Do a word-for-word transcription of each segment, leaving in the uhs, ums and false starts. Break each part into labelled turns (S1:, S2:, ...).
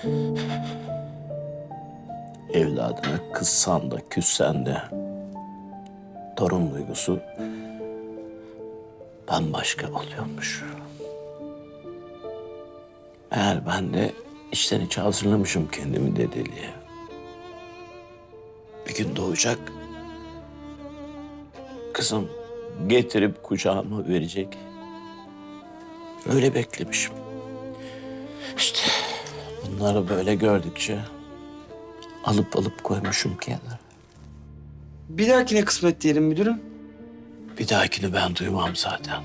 S1: Evladına kızsan da küssen de torun duygusu bambaşka oluyormuş. Eğer ben de içten içe hazırlamışım kendimi dedeliğe. Bir gün doğacak, kızım getirip kucağıma verecek. Öyle beklemişim. İşte bunları böyle gördükçe alıp alıp koymuşum kenara.
S2: Bir dahakine kısmet diyelim müdürüm.
S1: Bir dahakini ben duymam zaten.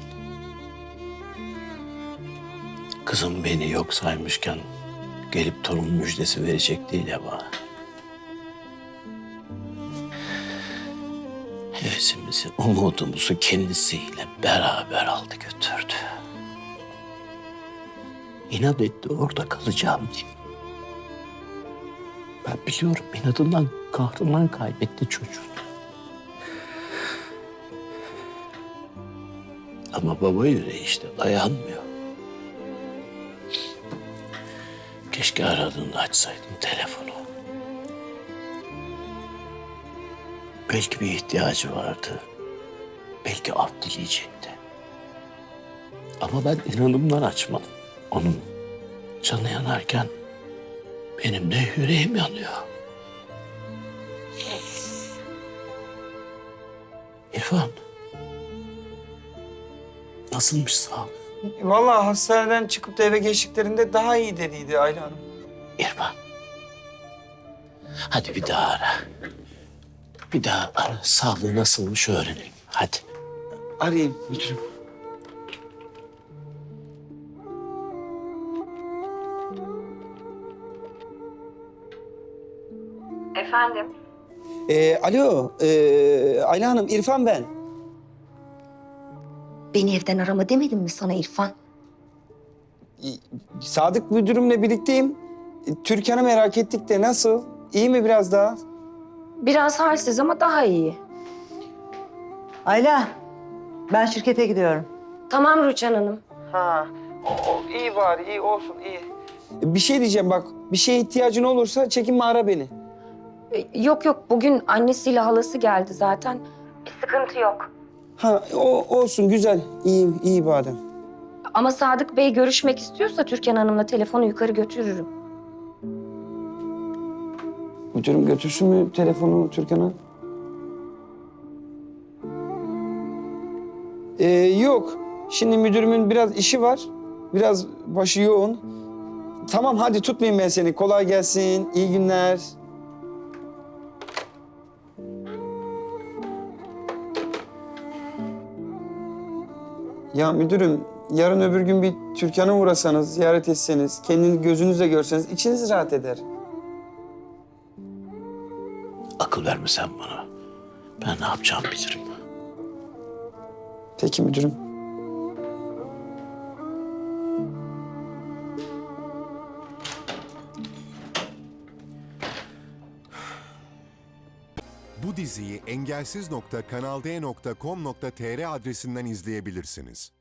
S1: Kızım beni yok saymışken gelip torun müjdesi verecek değil ya bana. Hevesimizi, umudumuzu kendisiyle beraber aldı götürdü. İnat etti orada kalacağım diye. Ben biliyorum inadından, kahrından kaybetti çocuğunu. Ama baba yüreği işte dayanmıyor. Keşke aradığında açsaydım telefonu. Belki bir ihtiyacı vardı. Belki af dileyecekti. Ama ben inanımdan açmadım. Onun canı yanarken benim de yüreğim yanıyor. İrfan. Nasılmış sağlık?
S2: Vallahi hastaneden çıkıp da eve geçtiklerinde daha iyi dediydi Ayla Hanım.
S1: İrfan. Hadi bir daha ara. Bir daha ara. Sağlığı nasılmış öğrenelim. Hadi.
S2: Arayayım müdürüm.
S3: Efendim?
S2: Ee, alo, ee, Ayla Hanım, İrfan ben.
S3: Beni evden arama demedim mi sana İrfan?
S2: Ee, Sadık müdürümle birlikteyim. Ee, Türkan'ı merak ettik de nasıl? İyi mi biraz daha?
S3: Biraz halsiz ama daha iyi.
S4: Ayla, ben şirkete gidiyorum.
S3: Tamam Rüçhan Hanım.
S2: Ha, o, o, iyi bari, iyi olsun, iyi. Bir şey diyeceğim bak, bir şeye ihtiyacın olursa çekinme ara beni.
S3: Ee, Yok yok bugün annesiyle halası geldi zaten. Bir sıkıntı yok.
S2: Ha, o olsun, güzel, iyi, iyi badem.
S3: Ama Sadık Bey görüşmek istiyorsa Türkan Hanım'la telefonu yukarı götürürüm.
S2: Müdürüm götürsün mü telefonu Türkan'a? Ee, yok. Şimdi müdürümün biraz işi var. Biraz başı yoğun. Tamam hadi tutmayayım ben seni. Kolay gelsin. İyi günler. Ya müdürüm yarın öbür gün bir Türkan'a uğrasanız, ziyaret etseniz, kendini gözünüzle görseniz içiniz rahat eder.
S1: Akıl verme sen bana. Ben ne yapacağımı bilirim.
S2: Peki müdürüm.
S5: Bu diziyi engelsiz nokta kanal d nokta com nokta tr adresinden izleyebilirsiniz.